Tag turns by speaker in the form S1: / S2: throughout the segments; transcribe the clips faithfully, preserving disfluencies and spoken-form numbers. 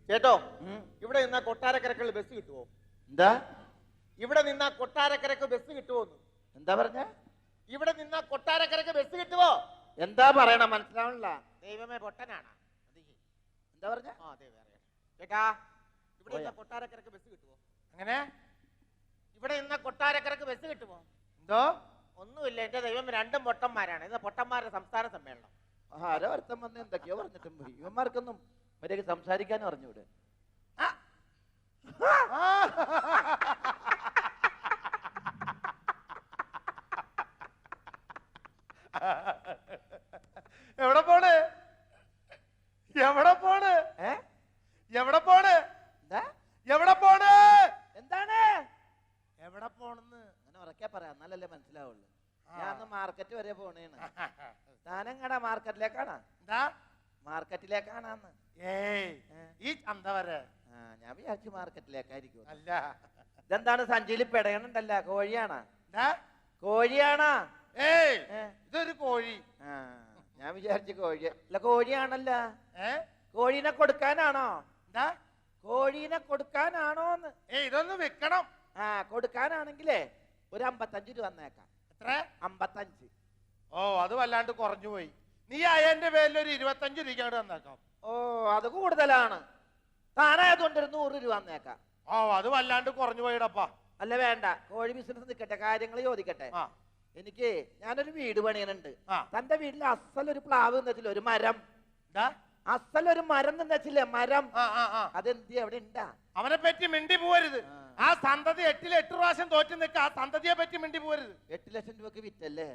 S1: ചേട്ടോ ഇവിടെ നിന്നാ കൊട്ടാരക്കരക്കുള്ള ബസ് കിട്ടുമോ?
S2: എന്താ
S1: ഇവിടെ നിന്നാ കൊട്ടാരക്കരക്ക് ബസ് കിട്ടുമോന്ന്?
S2: എന്താ പറഞ്ഞ?
S1: ഇവിടെ നിന്നാ കൊട്ടാരക്കരക്ക് ബസ് കിട്ടുമോ?
S2: എന്താ പറയണ മനസ്സിലാവണില്ല.
S1: ദൈവമേ പൊട്ടനാണ്.
S2: എന്താ പറഞ്ഞ?
S1: ആ അതെ വേറെ ചേട്ടാ ഇവിടെ നിന്നാ കൊട്ടാരക്കരക്ക് ബസ് കിട്ടുമോ?
S2: അങ്ങനെ
S1: ഇവിടെ നിന്നാ കൊട്ടാരക്കരക്ക് ബസ് കിട്ടുമോ?
S2: എന്തോ
S1: ഒന്നുമില്ല, എന്റെ ദൈവം രണ്ടും പൊട്ടന്മാരാണ്. ഇത് പൊട്ടന്മാരുടെ സംസ്ഥാന സമ്മേളനം.
S2: ആരോ ഒരുത്തം വന്ന് എന്തൊക്കെയോ പറഞ്ഞിട്ടും പോയി. ഇവന്മാർക്കൊന്നും മര്യാദക്ക് സംസാരിക്കാനും അറിഞ്ഞൂടെ.
S3: എവിടെ പോണ് എവിടെ പോണ്
S2: ഏ
S3: എവിടെ പോണ്
S2: എന്താ
S3: എവിടെ പോണ്
S2: എന്താണ്
S3: എവിടെ പോണെന്ന്
S2: അങ്ങനെ ഉറക്കെ പറയാം, എന്നാലല്ലേ മനസ്സിലാവുള്ളൂ. ഞാൻ മാർക്കറ്റ് വരെ പോണേണ്. താനെങ്ങടാ മാർക്കറ്റിലേക്കാണാ?
S3: എന്താ
S2: മാർക്കറ്റിലേക്കാണാന്ന്?
S3: ഏയ് ഈ ചന്ത വരെ.
S2: ആ ഞാൻ വിചാരിച്ചു മാർക്കറ്റിലേക്കായിരിക്കും.
S3: അല്ല,
S2: ഇതെന്താണ് സഞ്ചിയിൽ പെടയണുണ്ടല്ല? കോഴിയാണാ?
S3: എന്താ
S2: കോഴിയാണാ?
S3: ഏയ് ഇതൊരു കോഴി.
S2: ആ ഞാൻ വിചാരിച്ചു കോഴി അല്ല, കോഴിയാണല്ല.
S3: ഏ
S2: കോഴീനെ കൊടുക്കാനാണോ?
S3: എന്താ
S2: കോഴീനെ കൊടുക്കാനാണോന്ന്?
S3: ഏയ് ഇതൊന്ന് വിൽക്കണം.
S2: ആ കൊടുക്കാനാണെങ്കിലേ ഒരു അമ്പത്തഞ്ച് രൂപ വന്നേക്കാം.
S3: എത്ര?
S2: അമ്പത്തഞ്ച്.
S3: ഓ അത് വല്ലാണ്ട് കുറഞ്ഞു പോയി. നീ അയ്യന്റെ പേരിൽ ഒരു ഇരുപത്തഞ്ച് രൂപ വന്നേക്കാം.
S2: ഓ അത് കൂടുതലാണ്. താനായതുകൊണ്ട് ഒരു നൂറ് രൂപ വന്നേക്കാം.
S3: ഓ അത് വല്ലാണ്ട് കുറഞ്ഞു പോയിടപ്പാ.
S2: അല്ല വേണ്ട, കോഴി ബിസിനസ് നിൽക്കട്ടെ, കാര്യങ്ങൾ ചോദിക്കട്ടെ. എനിക്ക് ഞാനൊരു വീട് പണിയനുണ്ട്. തന്റെ വീട്ടിൽ അസലൊരു പ്ലാവ് നിന്നില്ല, ഒരു മരം. അസലൊരു മരം നിന്നില്ലേ, മരം. അതെന്തി അവിടെ ഉണ്ടാ?
S3: അവനെ പറ്റി മിണ്ടി പോവരുത്. ആ സന്തതി എട്ടിൽ എട്ട് പ്രാവശ്യം തോറ്റു നിൽക്ക. ആ സന്തതിയെ പറ്റി മിണ്ടി പോവരുത്.
S2: എട്ട് ലക്ഷം രൂപക്ക് വിറ്റല്ലേ?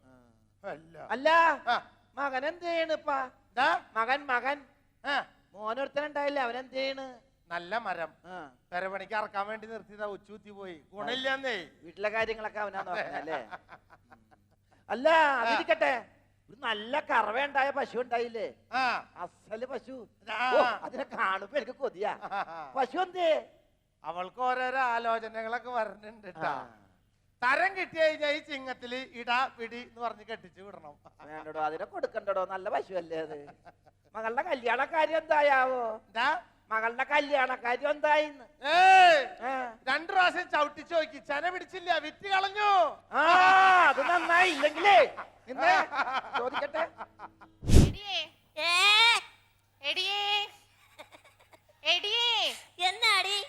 S3: അല്ല
S2: മകൻ എന്ത് ചെയ്യണിപ്പാ? മകൻ മകൻ മോനൊരുത്തനുണ്ടായില്ലേ, അവനെന്ത് ചെയ്യണ്?
S3: നല്ല മരം പെരപണിക്ക് ഇറക്കാൻ വേണ്ടി നിർത്തിയതാ, ഉച്ചൂത്തി പോയി. ഗുണില്ലാന്നേ.
S2: വീട്ടിലെ കാര്യങ്ങളൊക്കെ അവനാ നോക്കണല്ലേ? അല്ല അതിരിക്കട്ടെ, ഒരു നല്ല കറവയുണ്ടായ പശു ഉണ്ടായില്ലേ? അസല് പശു. അതിനെ കാണുമ്പോ എനിക്ക് കൊതിയാ. പശു എന്തേ?
S3: അവൾക്ക് ഓരോരോ ആലോചനകളൊക്കെ വരുന്നുണ്ട്. തരം കിട്ടി കഴിഞ്ഞാൽ ഈ ചിങ്ങത്തില് ഇടാ പിടി എന്ന് പറഞ്ഞ് കെട്ടിച്ചു വിടണം.
S2: വേണ്ടടോ, അതിനെ കൊടുക്കണ്ടടോ, നല്ല പശു അല്ലേ അത്? മകളുടെ കല്യാണ കാര്യം എന്തായാവോ?
S3: എന്താ
S2: മകളുടെ കല്യാണ കാര്യം എന്തായിന്ന്?
S3: രണ്ടു പ്രാവശ്യം ചവിട്ടിച്ചു നോക്കി, ചെന പിടിച്ചില്ല, വിറ്റ് കളഞ്ഞു.
S2: ആ അത് നന്നായി. ഇല്ലെങ്കിലേ ചോദിക്കട്ടെ.
S4: എന്നാടി?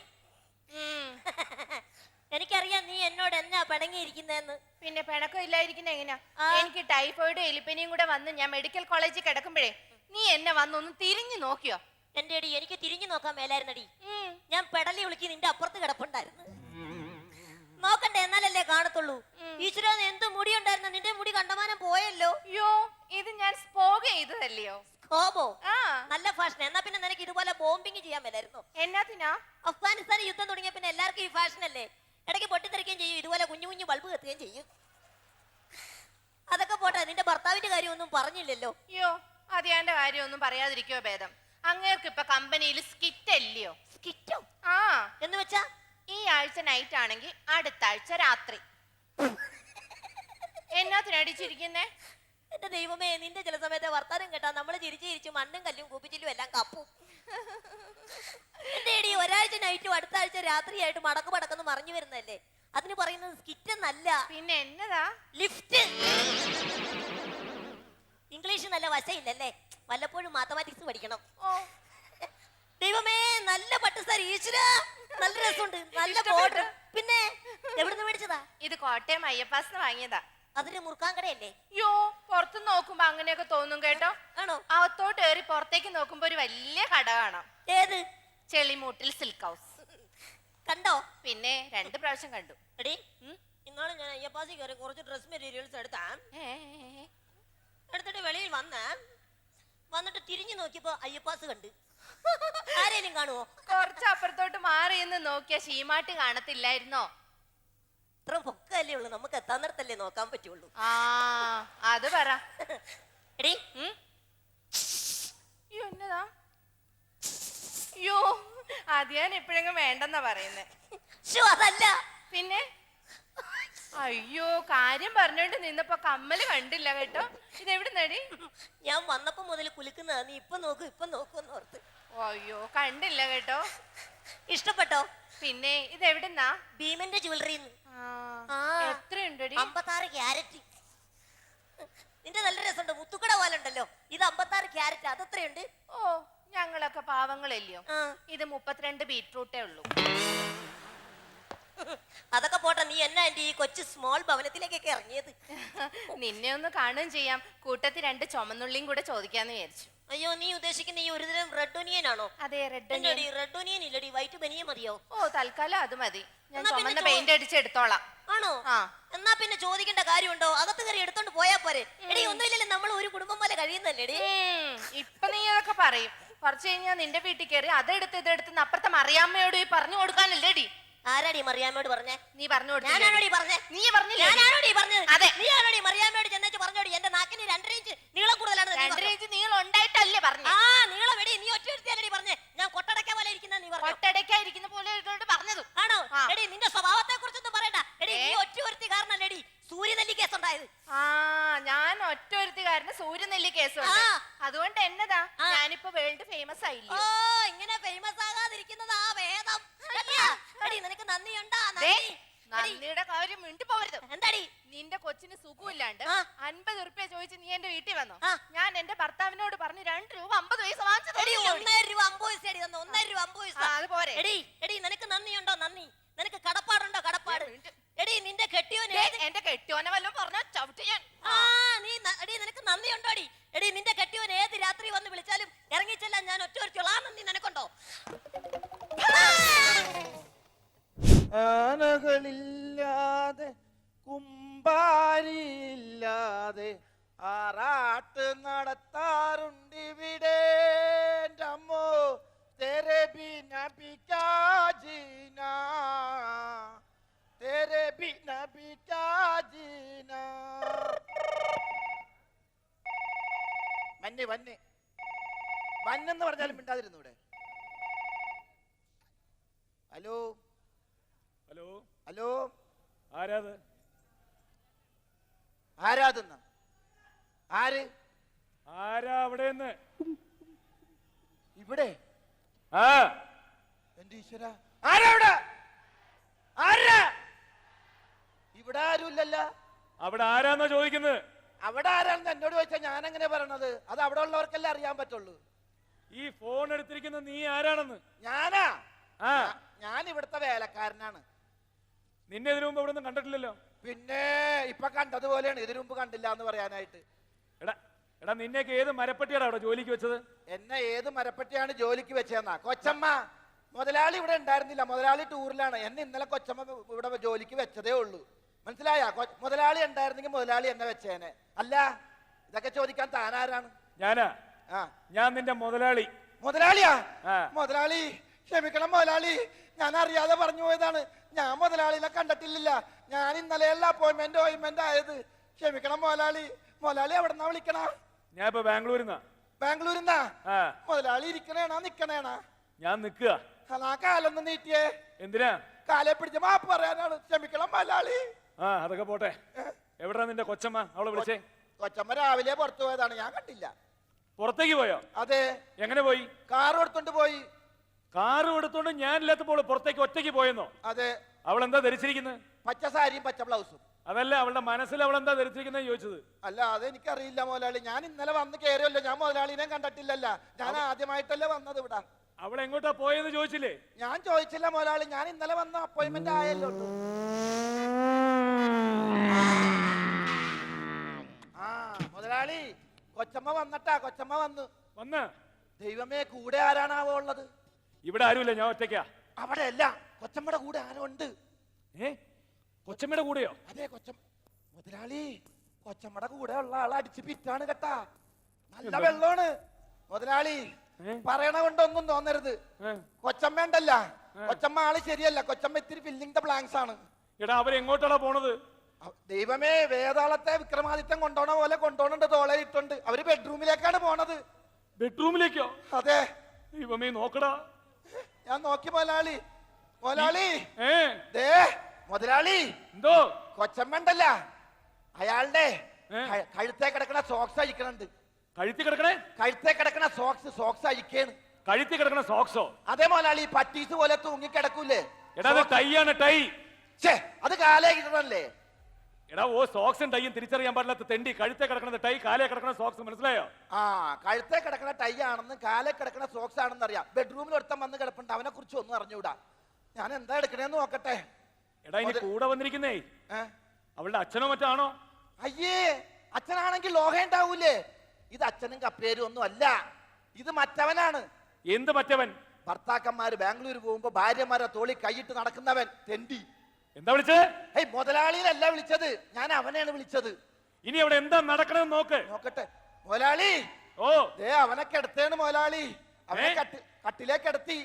S4: എനിക്കറിയാം നീ എന്നോട് എന്നാ പിണങ്ങിയിരിക്കുന്നെന്ന്.
S5: പിന്നെ പിണക്കം ഇല്ലായിരിക്കുന്ന എങ്ങനെയാ? എനിക്ക് ടൈഫോയിഡും എലിപ്പനിയും കൂടെ വന്ന് ഞാൻ മെഡിക്കൽ കോളേജിൽ കിടക്കുമ്പോഴേ നീ എന്നെ വന്നൊന്ന് തിരിഞ്ഞു നോക്കിയോ?
S4: എന്റെ അടി, എനിക്ക് തിരിഞ്ഞു നോക്കാൻ മേലായിരുന്നടി. ഞാൻ പെടലി വിളിക്ക് നിന്റെ അപ്പുറത്ത് കിടപ്പുണ്ടായിരുന്നു. നോക്കണ്ടേ, എന്നാലല്ലേ കാണത്തുള്ളൂ. ഈശ്വര, എന്ത് മുടി ഉണ്ടായിരുന്നു, നിന്റെ മുടി കണ്ടമാനം പോയല്ലോ.
S5: യോ ഇത് ഞാൻ സ്പോഗ് ചെയ്തതല്ലയോ?
S4: സ്കോബോ? നല്ല ഫാഷൻ. എന്നാ പിന്നെ നിനക്ക് ഇതുപോലെ ബോംബിങ് ചെയ്യാൻ മേലായിരുന്നു.
S5: എന്നാത്തിനാ?
S4: അഫ്ഗാനിസ്ഥാൻ യുദ്ധം തുടങ്ങിയ പിന്നെ എല്ലാവർക്കും ഈ ഫാഷൻ അല്ലേ. ഇടയ്ക്ക് പൊട്ടിത്തെറിക്കുകയും ചെയ്യും, ഇതുപോലെ കുഞ്ഞു കുഞ്ഞു ബൾബ് കത്തുകയും ചെയ്യും. അതൊക്കെ പോട്ടെ, നിന്റെ ഭർത്താവിന്റെ കാര്യമൊന്നും പറഞ്ഞില്ലല്ലോ.
S5: യോ അത് എന്റെ കാര്യമൊന്നും പറയാതിരിക്കോ ഭേദം. അങ്ങേർക്ക് ഇപ്പൊ കമ്പനിയിൽ സ്കിറ്റ് അല്ലയോ?
S4: സ്കിറ്റോ?
S5: ആ
S4: എന്ന് വെച്ചാ
S5: ഈ ആഴ്ച നൈറ്റ് ആണെങ്കിൽ അടുത്ത ആഴ്ച രാത്രി. എന്നാത്തിനടിച്ചിരിക്കുന്നേ?
S4: എന്റെ ദൈവമേ, നിന്റെ ചില സമയത്തെ വർത്താനം കേട്ടാ നമ്മള് ചിരിച്ചു ചിരിച്ചു മണ്ണും കല്ലും കൂപ്പിച്ചില്ലും എല്ലാം കപ്പും. എന്റെ ഇടി, ഒരാഴ്ച നൈറ്റും അടുത്ത ആഴ്ച രാത്രിയായിട്ട് മടക്ക് മടക്കെന്ന് മറിഞ്ഞു വരുന്നല്ലേ. അതിന് പറയുന്നത് സ്കിറ്റ് എന്നല്ല.
S5: പിന്നെ എന്നതാ?
S4: ലിഫ്റ്റ്. ഇംഗ്ലീഷ് നല്ല വശയില്ലല്ലേ, വല്ലപ്പോഴും മാത്തമാറ്റിക്സ് പഠിക്കണം. ഓ ദൈവമേ, നല്ല പട്ട് സാരി. ഈശ്വര, നല്ല രസമുണ്ട്, നല്ല ബോർഡർ. പിന്നെ എവിടുന്ന് മേടിച്ചതാ? ഇത്
S5: കോട്ടയം അയ്യപ്പാസിന് വാങ്ങിയതാ.
S4: അതിന് മുറുക്കാൻ കടയല്ലേ?
S5: യോ പുറത്ത് നോക്കുമ്പോ അങ്ങനെയൊക്കെ തോന്നും കേട്ടോ.
S4: ആണോ?
S5: അകത്തോട്ട് കയറി പുറത്തേക്ക് നോക്കുമ്പോ ഒരു വലിയ കട കാണാം.
S4: ഏത്?
S5: Chelimoottil silk house.
S4: കണ്ടോ?
S5: പിന്നെ രണ്ട് പ്രാവശ്യം കണ്ടു.
S4: എടി, ഇന്നാളെ ഞാൻ അയ്യപ്പാസി കയറി കുറച്ച് ഡ്രസ് മെറ്റീരിയൽസ് എടുത്താ എടുത്തിട്ട് വെളിയിൽ വന്ന വന്നിട്ട് തിരിഞ്ഞു നോക്കിയപ്പോ അയ്യപ്പാസ് കണ്ട്. ആരേലും കാണുവോ?
S5: കുറച്ച് അപ്പുറത്തോട്ട് മാറി എന്ന് നോക്കിയ ശീമാട്ടി കാണത്തില്ലായിരുന്നോ?
S4: ഇത്ര പൊക്കല്ലേ ഉള്ളു, നമുക്ക് എത്താൻ നേരത്തല്ലേ നോക്കാൻ പറ്റുള്ളൂ.
S5: ആ അത് പറ.
S4: എടി,
S5: എന്നതാ? യോ അത് ഞാൻ എപ്പോഴെങ്കിലും വേണ്ടെന്നാ പറയുന്നേ.
S4: അതല്ല
S5: പിന്നെ അയ്യോ, കാര്യം പറഞ്ഞോണ്ട് നിന്നപ്പോ കമ്മല് കണ്ടില്ല കേട്ടോ. ഇതെവിടെ നടി?
S4: ഞാൻ വന്നപ്പോ മുതൽ കുലുക്കുന്നതാ. നീ ഇപ്പൊ നോക്കൂ ഇപ്പൊ നോക്കൂന്ന് ഓർത്ത്.
S5: അയ്യോ കണ്ടില്ല കേട്ടോ.
S4: ഇഷ്ടപ്പെട്ടോ?
S5: പിന്നെ ഇത് എവിടുന്നാ?
S4: ഭീമന്റെ ജ്വല്ലറി
S5: ആ, എത്രയുണ്ടടി?
S4: അമ്പത്താറ് ക്യാരറ്റ്. നിന്റെ നല്ല രസമുണ്ട്, മുത്തുക്കട പോലെ ഉണ്ടല്ലോ. ഇത് അമ്പത്താറ് ക്യാരറ്റ്, അതെത്രയുണ്ട്?
S5: ഓ ഞങ്ങളൊക്കെ പാവങ്ങളല്ലയോ.
S4: ആ.
S5: ഇത് മുപ്പത്തിരണ്ട് ബീറ്റ്റൂട്ടേ ഉള്ളൂ.
S4: അതൊക്കെ പോട്ടെ, നീ എന്നാ എന്റെ ഈ കൊച്ചു സ്മോൾ ഭവനത്തിലേക്കൊക്കെ ഇറങ്ങിയത്?
S5: നിന്നെ ഒന്ന് കാണുകയും ചെയ്യാം, കൂട്ടത്തിൽ രണ്ട് ചുമന്നുള്ളിയും കൂടെ ചോദിക്കാന്ന് വിചാരിച്ചു.
S4: അയ്യോ, നീ ഉദ്ദേശിക്കുന്ന ഈ ഒരുതരം റെഡ് ഒനിയൻ ആണോ?
S5: അതെ, റെഡ്
S4: എന്നോടി റെഡ് ഒനിയൻ ഇല്ലടി, വൈറ്റ് ബനിയ മതിയോ?
S5: ഓ തൽക്കാലം അത് മതി, ഞാൻ
S4: എന്നാ പിന്നെ
S5: ചുമന്ന
S4: ചോ-
S5: പെയിന്റ് അടിച്ചെടുത്തോളാം.
S4: ആണോ?
S5: ആ.
S4: എന്നാ പിന്നെ ചോദിക്കേണ്ട കാര്യമുണ്ടോ? അകത്ത് കയറി എടുത്തോണ്ട് പോയാ പോരെ. എടി ഒന്നുമില്ലല്ലോ, നമ്മൾ ഒരു കുടുംബം പോലെ കഴിയുന്നല്ലേ എടി.
S5: ഉം, ഇപ്പൊ നീ അതൊക്കെ പറയും. കുറച്ച് കഴിഞ്ഞാൽ നിന്റെ വീട്ടിൽ കയറി അതെടുത്ത് ഇതെടുത്ത് അപ്പുറത്തെ മറിയാമ്മയോട് ഈ പറഞ്ഞു കൊടുക്കാനല്ലേടി.
S4: ആരാടി മറിയാമ്മയോട് പറഞ്ഞേ?
S5: നീ പറഞ്ഞു കൊടുത്തു.
S4: ഞാനാണോടി പറഞ്ഞേ?
S5: നീ പറഞ്ഞില്ലേ?
S4: ഞാനാണോടി പറഞ്ഞത്?
S5: അതെ.
S4: നീ ആണോടി മറിയാമ്മയോട് ചെന്നേച്ച് പറഞ്ഞോടി എന്റെ നാക്കിന് രണ്ടര ഇഞ്ച് നീളം കൂടുതലാണ്
S5: രണ്ടര ഇഞ്ച് നീളം ഉണ്ടായിട്ടല്ലേ പറഞ്ഞു?
S4: ആ നീളം എടി, നീ ഒറ്റ എടുത്തിയല്ലേ പറഞ്ഞേ? ഞാൻ കൊട്ടടക്ക പോലെ ഇരിക്കുന്ന നീ പറഞ്ഞു.
S5: ഒട്ടടയ്ക്കായിരിക്കുന്ന പോലെ ഇട്ടോണ്ട് പറഞ്ഞത്
S4: ആണോ?
S5: ആ.
S4: എടി നിന്റെ സ്വഭാവത്തെ കുറിച്ചൊന്നും പറയണ്ട. എടി
S5: ഏ?
S4: നീ ഒറ്റ ഒരുത്തി കാരണല്ലേടി സൂര്യനെല്ലി കേസ് ഉണ്ടായത്.
S5: ആ ഞാൻ ഒറ്റ ഒരുത്തുകാരന് സൂര്യനെല്ലി കേസുണ്ട്.
S4: ആ.
S5: അതുകൊണ്ട് എന്നതാ
S4: ആ.
S5: ഞാനിപ്പോ വേൾഡ് ഫേമസ്
S4: ഓ
S5: ആയില്ലേ.
S4: ഇങ്ങനെ ഫേമസ് ആകാതിരിക്കുന്നത് ആ വേദം. എടി നിനക്ക് നന്ദിയുണ്ടാ?
S5: ദേ,
S4: നന്ദി. എടി,
S5: നന്ദിയുടെ കാര്യം മിണ്ടി പോവരുത്.
S4: എന്താടി?
S5: നിന്റെ കൊച്ചിന് സുഖമില്ലാണ്ട്
S4: ആ.
S5: അൻപത് ഉറുപ്പ്യ ചോദിച്ച് നീ എന്റെ വീട്ടിൽ വന്നു.
S4: ആ.
S5: ഞാൻ എന്റെ ഭർത്താവിനോട് പറഞ്ഞു രണ്ട് രൂപ അമ്പത് പൈസ വാങ്ങിച്ചു
S4: എടി
S5: തന്നില്ലേ?
S4: ഒന്നര രൂപ അമ്പത് പൈസ എടി തന്നു. ഒന്നര രൂപ അമ്പത് പൈസ.
S5: ആ, അത് പോരെ.
S4: എടി എടി നിനക്ക് നന്ദിയുണ്ടോ? നന്ദി. നിനക്ക് കടപ്പാടുണ്ടോ? കടപ്പാട്. എടി നിന്റെ കെട്ടിയോന്
S5: ദേ,
S4: ഏത്
S5: എന്റെ കെട്ടിയോനെ വല്ലതും പറഞ്ഞ ചവിട്ടി ഞാൻ.
S4: ആ നീ ന- എടി നിനക്ക് നന്ദിയുണ്ടോ? എടി എടി നിന്റെ കെട്ടിയോൻ ഏത് രാത്രി വന്ന് വിളിച്ചാലും ഇറങ്ങിച്ചെല്ലാം ഞാൻ ഒറ്റ ഒരുത്തുള്ള ആ നന്ദി നിനക്കുണ്ടോ?
S2: ആനകളില്ലാതെ കുമ്പാരിയില്ലാതെ ആറാട്ട് നടത്താറുണ്ടിവിടെ അമ്മോ തെരെ ബിന ബിക്കാജീന തെരെ ബിന ബിക്കാജീന വന്നെ വന്നെ വന്നെന്ന് പറഞ്ഞാലും മിണ്ടാതിരുന്നു ഇവിടെ. ഹലോ
S6: ഹലോ
S2: ഹലോ
S6: ആരാത്?
S2: ആരാതെന്ന ആര്?
S6: ആരാ അവിടെന്ന്?
S2: ഇവിടെ
S6: ആ
S2: എന്റെ ഈശ്വര, ആരാ ഇവിടെ? ആരാ ഇവിടെ? ആരുമില്ലല്ലോ.
S6: അവിടെ ആരാന്നാ ചോദിക്കുന്നത്?
S2: അവിടെ ആരാണെന്ന് എന്നോട് ചോദിച്ചാൽ ഞാൻ എങ്ങനെ പറയണത്? അത് അവിടെ ഉള്ളവർക്കല്ലേ അറിയാൻ പറ്റുള്ളൂ.
S6: ഈ ഫോൺ എടുത്തിരിക്കുന്ന നീ ആരാണെന്ന്?
S2: ഞാനാ?
S6: ആ
S2: ഞാൻ ഇവിടുത്തെ വേലക്കാരനാണ്.
S6: നിന്നെ ഇതിനു മുമ്പ് ഇവിടെ ഒന്നും കണ്ടിട്ടില്ലല്ലോ.
S2: പിന്നെ ഇപ്പൊ കണ്ടതുപോലെയാണ്, ഇതിനു മുമ്പ് കണ്ടില്ല എന്ന് പറയാനായിട്ട്.
S6: എടാ എടാ നിന്നെയൊക്കെ ഏത് മരപ്പട്ടിയാണ് അവിടെ ജോലിക്ക് വെച്ചത്?
S2: എന്നെ ഏത് മരപ്പറ്റിയാണ് ജോലിക്ക് വെച്ചതെന്നാ? കൊച്ചമ്മ മുതലാളി ഇവിടെ ഉണ്ടായിരുന്നില്ല, മുതലാളി ടൂറിലാണ്. എന്നെ ഇന്നലെ കൊച്ചമ്മ ഇവിടെ ജോലിക്ക് വെച്ചതേ ഉള്ളൂ. മനസ്സിലായ? മുതലാളി ഉണ്ടായിരുന്നെങ്കിൽ മുതലാളി എന്നെ വെച്ചേനെ. അല്ല ഇതൊക്കെ ചോദിക്കാൻ താനാരാണ്?
S6: ഞാനാ?
S2: ആ
S6: ഞാൻ നിന്റെ മുതലാളി.
S2: മുതലാളിയാ?
S6: ആ.
S2: മുതലാളി ക്ഷമിക്കണം മുതലാളി, ഞാൻ അറിയാതെ പറഞ്ഞു പോയതാണ്. ഞാൻ മുതലാളിനെ കണ്ടിട്ടില്ല. ഞാൻ ഇന്നലെയല്ല അപ്പോയിന്റ്മെന്റ് ഓയിന്റ്മെന്റ് ആയത്. ക്ഷമിക്കണം മുതലാളി. മുതലാളി എവിടെന്നാ വിളിക്കണ?
S6: ഞാൻ ഇപ്പൊ ബാംഗ്ലൂരിന്നാ.
S2: ബാംഗ്ലൂരിന്നാ?
S6: ആ
S2: മുതലാളി ഇരിക്കണേണാ നിക്കണേണാ?
S6: ഞാൻ നിക്കുക.
S2: അതാ കാലൊന്ന് നീട്ടിയേ.
S6: എന്തിനാ?
S2: കാലെ പിടിച്ച് മാപ്പ് പറയാനാണ്. ക്ഷമിക്കണം മുതലാളി.
S6: ആ അതൊക്കെ പോട്ടെ. എവിടാ നിന്റെ കൊച്ചമ്മ? അവളെ വിളിച്ചേ.
S2: കൊച്ചമ്മ രാവിലെ പുറത്തു പോയതാണ്, ഞാൻ കണ്ടില്ല.
S6: പുറത്തേക്ക് പോയോ?
S2: അതെ.
S6: എങ്ങനെ പോയി?
S2: കാർ എടുത്തോണ്ട് പോയി.
S6: കാറും എടുത്തോണ്ട് ഞാനില്ലാത്തപ്പോൾ പുറത്തേക്ക് ഒറ്റയ്ക്ക് പോയെന്നോ?
S2: അതെ.
S6: അവൾ എന്താ ധരിച്ചിരിക്കുന്നത്?
S2: പച്ച സാരിയും പച്ച ബ്ലൗസും.
S6: അതല്ല, അവളുടെ മനസ്സിൽ അവൾ എന്താ ധരിച്ചിരിക്കുന്നത് ചോദിച്ചത്.
S2: അല്ല അത് എനിക്കറിയില്ല മുതലാളി. ഞാൻ ഇന്നലെ വന്ന് കയറിയല്ലോ, ഞാൻ മുതലാളിനെ കണ്ടിട്ടില്ലല്ല. ഞാൻ ആദ്യമായിട്ടല്ലേ വന്നത് ഇവിടെ.
S6: അവൾ എങ്ങോട്ടാ പോയെന്ന് ചോദിച്ചില്ലേ?
S2: ഞാൻ ചോദിച്ചില്ല മുതലാളി, ഞാൻ ഇന്നലെ വന്ന അപ്പോയിന്റ്മെന്റ് ആയല്ലോ. ആ മുതലാളി കൊച്ചമ്മ വന്നട്ടാ. കൊച്ചമ്മ വന്നു.
S6: വന്ന
S2: ദൈവമേ, കൂടെ ആരാണാവോ ഉള്ളത്?
S6: ഇവിടെ ആരുമില്ല, ഞാൻ ഒറ്റയ്ക്കാ.
S2: അവിടെ അല്ല, കൊച്ചമ്മയുടെ കൂടെ ആരോ ഉണ്ട്.
S6: ഏ കൊച്ചമ്മയുടെ കൂടെയോ?
S2: അതെ കൊച്ചമ്മ. മുതലാളി കൊച്ചമ്മയുടെ കൂടെ ഉള്ള ആൾ അടിച്ച് പിറ്റാണ് കേട്ടാ. നല്ല വെള്ളമാണ് മുതലാളി. പറയണ കൊണ്ടൊന്നും തോന്നരുത്. കൊച്ചമ്മ ഉണ്ടല്ല, കൊച്ചമ്മ ആള് ശരിയല്ല. കൊച്ചമ്മ ഇത്തിരി ഫില്ലിംഗ് ദ ബ്ലാങ്ക്സ് ആണ്.
S6: എടാ അവരെങ്ങോട്ടാടാ പോണത്?
S2: ദൈവമേ, വേതാളത്തെ വിക്രമാദിത്യൻ കൊണ്ടോണ പോലെ കൊണ്ടോണുണ്ട്, തോളയിട്ടുണ്ട്. അവര് ബെഡ്റൂമിലേക്കാണ് പോണത്.
S6: ബെഡ്റൂമിലേക്കോ?
S2: അതെ.
S6: ദൈവമേ നോക്കടാ.
S2: ഞാൻ നോക്കി മുതലാളി. മുതലാളി
S6: ഏ
S2: ദേ മുതലാളി,
S6: എന്തോ?
S2: കൊച്ചമ്മ ഉണ്ടല്ല, അയാളുടെ
S6: ഏ?
S2: കഴുത്തേ കിടക്കണ സോക്സ് അഴിക്കണുണ്ട്.
S6: കഴുത്തി കിടക്കണേ?
S2: കഴുത്തേ കിടക്കണ സോക്സ് സോക്സ് അഴിക്കേണ്.
S6: കഴുത്തി കിടക്കണ സോക്സോ?
S2: അതേ മുതലാളി പട്ടീസ് പോലെ തൂങ്ങി കിടക്കൂലേ?
S6: എടാ അത് ടൈ ആണ് ടൈ.
S2: ഛേ, അത് കാലേ കിട്ടണല്ലേ?
S6: എടാ ഓ സോക്സും ടൈയും തിരിച്ചറിയാൻ പാടില്ലാത്ത തെണ്ടി. കഴുത്തെ കിടക്കണത് ടൈ, കാലേ കിടക്കണ സോക്സ്, മനസ്സിലായോ?
S2: ആ, കഴുത്തെ കിടക്കണ ടൈ ആണെന്ന് കാലേ കിടക്കണ സോക്സ് ആണെന്ന് അറിയാം. ബെഡ്റൂമിൽ ഒരുത്തം വന്ന് കിടപ്പുണ്ട്, അവനെ കുറിച്ച് ഒന്നും അറിഞ്ഞൂടാ. ഞാൻ എന്താ എടുക്കണേന്ന് നോക്കട്ടെ.
S6: എടാ ഇനി കൂടെ വന്നിരിക്കുന്നേ
S2: ഏ?
S6: അവളുടെ അച്ഛനോ മറ്റാണോ?
S2: അയ്യേ, അച്ഛനാണെങ്കിൽ ലോഹ ഉണ്ടാവൂലേ? ഇത് അച്ഛനും കപ്പേരും ഒന്നും അല്ല, ഇത് മറ്റവനാണ്.
S6: എന്ത് മറ്റവൻ?
S2: ഭർത്താക്കന്മാര് ബാംഗ്ലൂർ പോകുമ്പോ ഭാര്യമാരെ തോളി കൈയിട്ട് നടക്കുന്നവൻ, തെണ്ടി.
S6: എന്താ വിളിച്ചത്?
S2: ഏയ്, മുതലാളിയിലല്ല വിളിച്ചത്, ഞാൻ അവനെയാണ് വിളിച്ചത്.
S6: ഇനി അവിടെ എന്താ നടക്കണെന്ന് നോക്ക്.
S2: നോക്കട്ടെ മുതലാളി.
S6: ഓ
S2: ദേ അവനെ കിടത്തേണ് മുതലാളി, അവനെ
S6: ഏ?
S2: കട്ടി കട്ടിലേക്ക് കിടത്തി.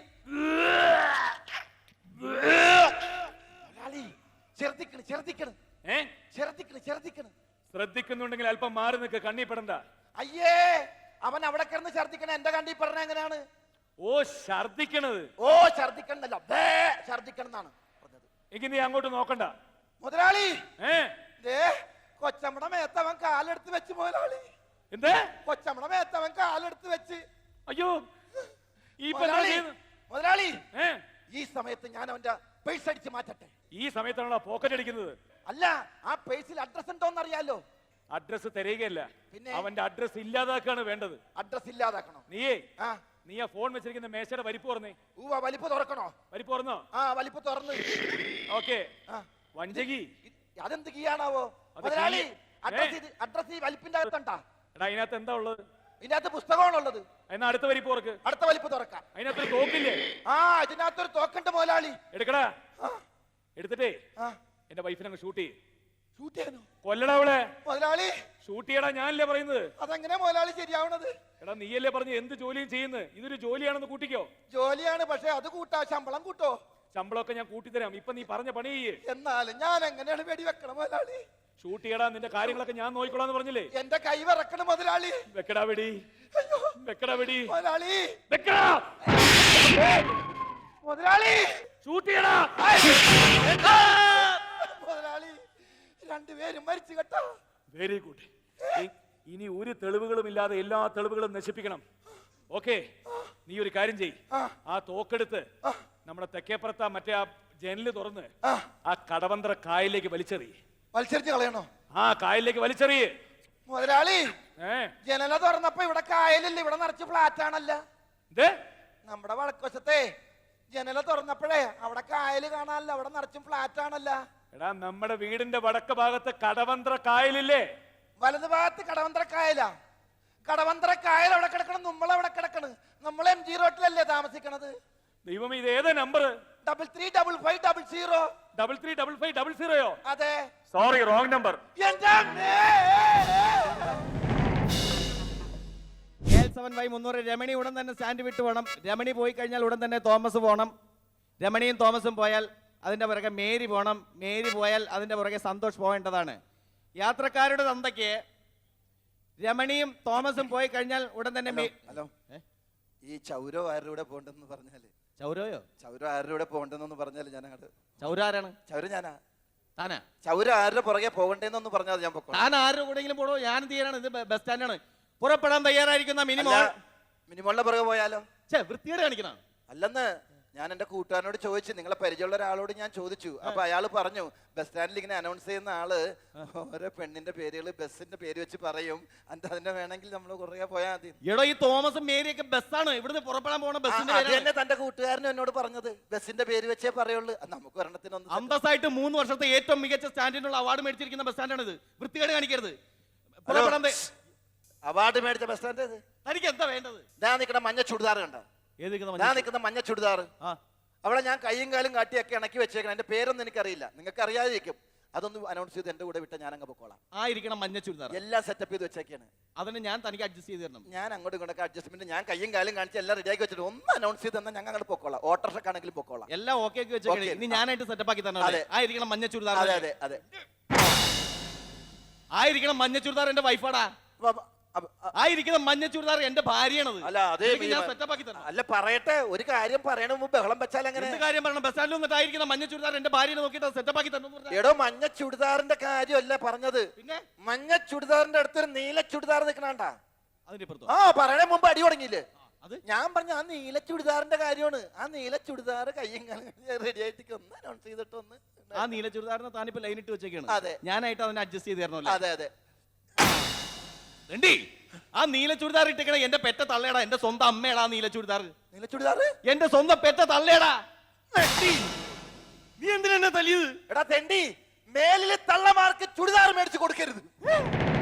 S2: മുതലാളി ചെറുതിക്കണ് ചെറുതിക്കണ്
S6: ഏ
S2: ചെറുതിക്കണ് ചെറുതിക്കണ്.
S6: ശ്രദ്ധിക്കുന്നുണ്ടെങ്കിൽ അല്പം മാറി നിൽക്ക്, കണ്ണി പെടണ്ട.
S2: അയ്യേ, അവൻ അവിടെ കിടന്ന് ഛർദിക്കണ എന്റെ കണ്ടി പറഞ്ഞ എങ്ങനെയാണ്?
S6: ഓ ഛർദിക്കണത്.
S2: ഓ ഛർദിക്കണമെന്നല്ല, ബേ ഛർദിക്കണം എന്നാണ് പറഞ്ഞത്.
S6: എങ്കിൽ നീ അങ്ങോട്ട് നോക്കണ്ട.
S2: മുതലാളി
S6: ഏ
S2: ദേ കൊച്ചമ്മടെ മേത്തവൻ കാലെടുത്ത് വെച്ച് മുതലാളി.
S6: എന്തേ?
S2: കൊച്ചമ്മടെ മേത്തവൻ കാലെടുത്ത് വെച്ച്.
S6: അയ്യോ ഈ ഇപ്പൊ എന്താ
S2: മുതലാളി
S6: ചെയ്യുന്നത്?
S2: മുതലാളി
S6: ഏ
S2: ഈ സമയത്ത് ഞാൻ അവന്റെ പേഴ്സ് അടിച്ച് മാറ്റട്ടെ?
S6: ഈ സമയത്താണോ പോക്കറ്റ് അടിക്കുന്നത്?
S2: അല്ല, ആ പേഴ്സിൽ അഡ്രസ് ഉണ്ടോന്ന് അറിയാലോ.
S6: അഡ്രസ് തരികയല്ല,
S2: പിന്നെ?
S6: അവന്റെ അഡ്രസ് ഇല്ലാതാക്കാണ് വേണ്ടത്.
S2: അഡ്രസ് ഇല്ലാതാക്കണോ?
S6: നീയേ
S2: ആ
S6: നീ ആ ഫോൺ വെച്ചിരിക്കുന്ന മേശയുടെ വലിപ്പ് പറഞ്ഞേ.
S2: ഊവ, വലിപ്പ് തുറക്കണോ?
S6: വലിപ്പ് പറഞ്ഞോ?
S2: ആ വലിപ്പ് തുറന്ന്.
S6: ഓക്കെ.
S2: ആ,
S6: വഞ്ചകി
S2: ഇ- അതെന്ത് കീയാണാവോ
S6: അത്
S2: മുതലാളി?
S6: കീ-
S2: അഡ്രസ്
S6: ഏ?
S2: ഇത് അഡ്രസ് ഈ വലിപ്പിന്റെ അകത്തുണ്ടാ?
S6: എടാ അതിനകത്ത് എന്താ ഉള്ളത്?
S2: ഇതിനകത്ത് പുസ്തകമാണുള്ളത്.
S6: എന്നാ അടുത്ത വലിപ്പ് തുറക്ക്.
S2: അടുത്ത വലിപ്പ് തുറക്കാം.
S6: അതിനകത്തൊരു തോക്കില്ലേ?
S2: ആ, ഇതിനകത്തൊരു തോക്കുണ്ട് മുതലാളി.
S6: എടുക്കടാ.
S2: ആ,
S6: എടുത്തിട്ടേ
S2: ആ,
S6: എന്റെ വൈഫിനെ അങ്ങ് ഷൂട്ട് ചെയ്യ്.
S2: ഷൂട്ട് ചെയ്യാനോ
S6: കൊല്ലടാ അവളെ.
S2: മുതലാളി?
S6: ഷൂട്ട് ചെയ്യടാ, ഞാനല്ലേ പറയുന്നത്.
S2: അതെങ്ങനെ മുതലാളി ശരിയാവണത്?
S6: എടാ നീയല്ലേ പറഞ്ഞ് എന്ത് ജോലിയും ചെയ്യുന്നത്. ഇതൊരു ജോലിയാണെന്ന് കൂട്ടിക്കോ.
S2: ജോലിയാണ്, പക്ഷെ അത് കൂട്ടാ, ശമ്പളം കൂട്ടോ?
S6: ശമ്പളമൊക്കെ ഞാൻ കൂട്ടിത്തരാം. ഇപ്പൊ നീ പറഞ്ഞ പണി ചെയ്യ്.
S2: എന്നാലും ഞാൻ എങ്ങനെയാണ് വെടി വെക്കണം മുതലാളി?
S6: ഷൂട്ട് ചെയ്യടാ, നിന്റെ കാര്യങ്ങളൊക്കെ ഞാൻ നോക്കിക്കോളാന്ന് പറഞ്ഞില്ലേ.
S2: എന്റെ കൈ വിറക്കണം മുതലാളി.
S6: വെക്കടാ വെടി,
S2: അയ്യോ
S6: വെക്കടാ വെടി,
S2: മുതലാളി,
S6: വെക്കടാ.
S2: മുതലാളി,
S6: ഷൂട്ട് ചെയ്യടാ.
S2: മുതലാളി, രണ്ടുപേരും മരിച്ചു കേട്ടോ.
S6: Very good. ഇനി ഒരു തെളിവുകളും ഇല്ലാതെ എല്ലാ തെളിവുകളും നശിപ്പിക്കണം. ഓക്കെ, നീ ഒരു കാര്യം ചെയ്.
S2: ആ.
S6: ആ തോക്കെടുത്ത് നമ്മുടെ തെക്കേപ്പുറത്ത് മറ്റേ ആ ജനല് തുറന്ന്
S2: ആ,
S6: ആ കടവന്ത്ര കായലിലേക്ക് വലിച്ചെറി.
S2: മത്സരിച്ച് കളയണോ?
S6: ആ കായലിലേക്ക് വലിച്ചെറിയ്.
S2: മുതലാളി,
S6: ഏ
S2: ജനല തുറന്നപ്പോ ഇവിടെ കായലില്ല, ഇവിടെ നിറച്ച് ഫ്ലാറ്റ് ആണല്ലോ.
S6: ഇത്
S2: നമ്മുടെ വടക്കുവശത്തെ ജനല തുറന്നപ്പോഴേ അവിടെ കായല് കാണാനല്ല, അവിടെ നിറച്ചും ഫ്ലാറ്റ് ആണല്ലോ.
S6: എടാ നമ്മുടെ വീടിന്റെ വടക്ക് ഭാഗത്ത് കടവന്ത്ര കായലില്ലേ?
S2: വലത് ഭാഗത്ത് കടവന്ത്ര കായലാ. കടവന്ത്ര കായൽ അവിടെ കിടക്കണം, നമ്മൾ അവിടെ കിടക്കണ്. നമ്മൾ എം ജി റോട്ടിലല്ലേ താമസിക്കണത്.
S6: ദൈവം ഇത് ഏതാ number?
S2: Double three double five double zero.
S6: Double three double five double സീറോയോ?
S2: അതെ.
S6: Sorry, wrong number.
S2: എന്റെ അമ്മേ!
S7: എൽ സെവൻ വൈ മുന്നൂറ് രമണി ഉടൻ തന്നെ സ്റ്റാൻഡ് വിട്ട് പോകണം. രമണി പോയി കഴിഞ്ഞാൽ ഉടൻ തന്നെ തോമസ് പോകണം. രമണിയും തോമസും പോയാൽ അതിൻ്റെ പുറകെ മേരി പോകണം. മേരി പോയാൽ അതിൻ്റെ പുറകെ സന്തോഷ് പോകേണ്ടതാണ്. യാത്രക്കാരുടെ തന്തയ്ക്ക് രമണിയും തോമസും പോയി കഴിഞ്ഞാൽ ഉടൻ തന്നെ മേ-
S2: ഹലോ,
S7: ഏ?
S2: ഈ ചൗരോ ആരുടെ കൂടെ പോണ്ടെന്ന് പറഞ്ഞാല്,
S7: ചൗരയോ?
S2: ചൗര ആരുടെ കൂടെ പോണ്ടെന്നൊന്ന് പറഞ്ഞാല് ഞാൻ അങ്ങോട്ട്.
S7: ചൗരാരാണ്?
S2: ചൗര ഞാനാ.
S7: താനാ?
S2: ചൗര ആരുടെ പുറകെ പോകണ്ടേന്നൊന്ന് പറഞ്ഞാൽ ഞാൻ പൊക്കോളാം.
S7: താൻ ആരുടെ കൂടെങ്കിലും പോടോ, ഞാൻ തീരാണ്. ഇത് ബസ് സ്റ്റാൻഡാണ്. പുറപ്പെടാൻ തയ്യാറായിരിക്കുന്ന മിനിമം
S2: മിനിമോളിന്റെ പുറകെ പോയാലോ?
S7: ഛേ, വൃത്തിയോടെ കാണിക്കണം.
S2: അല്ലെന്ന് ഞാൻ എന്റെ കൂട്ടുകാരനോട് ചോദിച്ചു, നിങ്ങളെ പരിചയമുള്ള ഒരാളോട് ഞാൻ ചോദിച്ചു. അപ്പൊ അയാൾ പറഞ്ഞു, ബസ് സ്റ്റാൻഡിൽ ഇങ്ങനെ അനൗൺസ് ചെയ്യുന്ന ആള് ഓരോ പെണ്ണിന്റെ പേരുകൾ ബസ്സിന്റെ പേര് വെച്ച് പറയും, എന്നിട്ട് അതിന്റെ വേണമെങ്കിൽ നമ്മൾ കുറേ പോയാൽ മതി.
S7: എടോ, ഈ തോമസും മേരിയൊക്കെ ബസ്സാണ്. ഇവിടുന്ന് പുറപ്പെടാൻ പോണ
S2: ആ,
S7: ബസ്സിന്റെ
S2: അത്
S7: പേരാണ്.
S2: തന്നെ തന്റെ കൂട്ടുകാരനും എന്നോട് പറഞ്ഞത്, ബസ്സിന്റെ പേര് വെച്ചേ പറയുള്ളൂ. അത് നമുക്ക് ഒരെണ്ണത്തിനൊന്നും
S7: അന്തസ്സായിട്ട് മൂന്ന് വർഷത്തെ ഏറ്റവും മികച്ച സ്റ്റാൻഡിനുള്ള അവാർഡ് മേടിച്ചിരിക്കുന്ന ബസ് സ്റ്റാൻഡാണ് ഇത്. വൃത്തികേട് കാണിക്കരുത്. പുറപ്പെടാൻ തയ്യ-
S2: അവാർഡ് മേടിച്ച ബസ് സ്റ്റാൻഡ് ഇത്.
S7: തനിക്ക് എന്താ വേണ്ടത്?
S2: ഞാൻ നിൽക്കുന്ന മഞ്ഞ ചുടിദാർ കണ്ട?
S7: ഏത് നിൽക്കുന്ന
S2: ഞാൻ
S7: മനുഷ്യൻ?
S2: നിൽക്കുന്ന മഞ്ഞ ചുടിദാർ
S7: ആ,
S2: അവിടെ ഞാൻ കൈയും കാലും കാട്ടിയൊക്കെ ഇണക്കി വെച്ചേക്കണം. എന്റെ പേരൊന്നും എനിക്കറിയില്ല, നിങ്ങൾക്ക് അറിയാതിരിക്കും. അതൊന്ന് അനൗൺസ് ചെയ്ത് എന്റെ കൂടെ വിട്ട ഞാൻ അങ്ങ് പൊക്കോളാം.
S7: ആ ഇരിക്കണം മഞ്ഞ ചുരിദാർ.
S2: എല്ലാം സെറ്റപ്പ് ചെയ്ത് വെച്ചേക്കാണ്.
S7: അതിന് ഞാൻ തനിക്ക് അഡ്ജസ്റ്റ് ചെയ്ത് തരണം.
S2: ഞാൻ അങ്ങോട്ടും ഇങ്ങോട്ടൊക്കെ അഡ്ജസ്റ്റ്മെന്റ് ഞാൻ കയ്യും കാലും കാണിച്ച് എല്ലാം റെഡിയാക്കി വെച്ചിട്ട് ഒന്ന് അനൗൺസ് ചെയ്ത് തന്നാൽ ഞങ്ങൾ അങ്ങോട്ട് പൊക്കോളാം. ഓട്ടോറിക്ഷക്കാണെങ്കിലും പൊക്കോളാം.
S7: എല്ലാം ഓക്കെ ആക്കി വെച്ചേക്കണേ.
S2: Okay.
S7: ഇനി ഞാനായിട്ട് സെറ്റപ്പ് ആക്കി തരണം.
S2: അതെ.
S7: ആ ഇരിക്കണം മഞ്ഞ ചുരിദാർ.
S2: അതെ അതെ അതെ.
S7: ആ ഇരിക്കണം മഞ്ഞ ചുരിദാർ എന്റെ വൈഫാടാ.
S2: അപ്പൊ- അപ്പൊ- അ-
S7: ആ ഇരിക്കുന്ന മഞ്ഞ ചുരിദാർ എന്റെ ഭാര്യയാണത്.
S2: അല്ല അതേ
S7: ഇതിലേക്ക് ഞാൻ സെറ്റപ്പ് ആക്കി തരണം.
S2: അല്ല പറയട്ടെ, ഒരു കാര്യം പറയണ മുമ്പ് ബഹളം വെച്ചാൽ എങ്ങനെ?
S7: എന്ത് കാര്യം പറയണം? ബസ് സ്റ്റാൻഡിൽ വന്നിട്ട് ആയിരിക്കുന്ന മഞ്ഞ ചുരിദാർ എന്റെ ഭാര്യനെ നോക്കിയിട്ട് സെറ്റപ്പ് ആക്കി തരണം എന്ന് പറഞ്ഞാ.
S2: എടോ, മഞ്ഞ ചുടിദാറിന്റെ കാര്യമല്ല പറഞ്ഞത്.
S7: പിന്നെ
S2: മഞ്ഞ ചുടിദാറിന്റെ അടുത്തൊരു നീല ചുടിദാർ നിൽക്കണണ്ട.
S7: അതിന്റെ ഇപ്പുറത്തോ?
S2: ആ പറയണ മുമ്പ് അടി തുടങ്ങിയില്ലേ?
S7: അത്?
S2: ഞാൻ പറഞ്ഞ ആ നീല ചുടിദാറിന്റെ കാര്യമാണ്. ആ നീല ചുടിദാർ കയ്യും റെഡി ആയിട്ട് ഒന്ന് അനൗൺസ് ചെയ്തിട്ട് ഒന്ന്.
S7: ആ നീല ചുരിദാറിന് താനിപ്പോ ലൈൻ ഇട്ട് വെച്ചേക്കാണ്.
S2: അതെ.
S7: ഞാനായിട്ട് അതിനെ അഡ്ജസ്റ്റ് ചെയ്ത് തരണല്ലോ.
S2: അതെ അതെ.
S7: രണ്ടി ആ നീല ചുരിദാർ ഇട്ടേക്കണ എന്റെ പെറ്റ തള്ളേടാ, എന്റെ സ്വന്തം അമ്മേടാ ആ നീല ചുരിദാർ.
S2: നീല ചുടിദാർ
S7: എന്റെ സ്വന്തം പെറ്റ തള്ളേടാ. നീ എന്തിനാ എന്നെ തല്ലിയത്?
S2: എടാ തെണ്ടി, മേലില് തള്ളമാർക്ക് ചുടിദാർ മേടിച്ചു കൊടുക്കരുത്.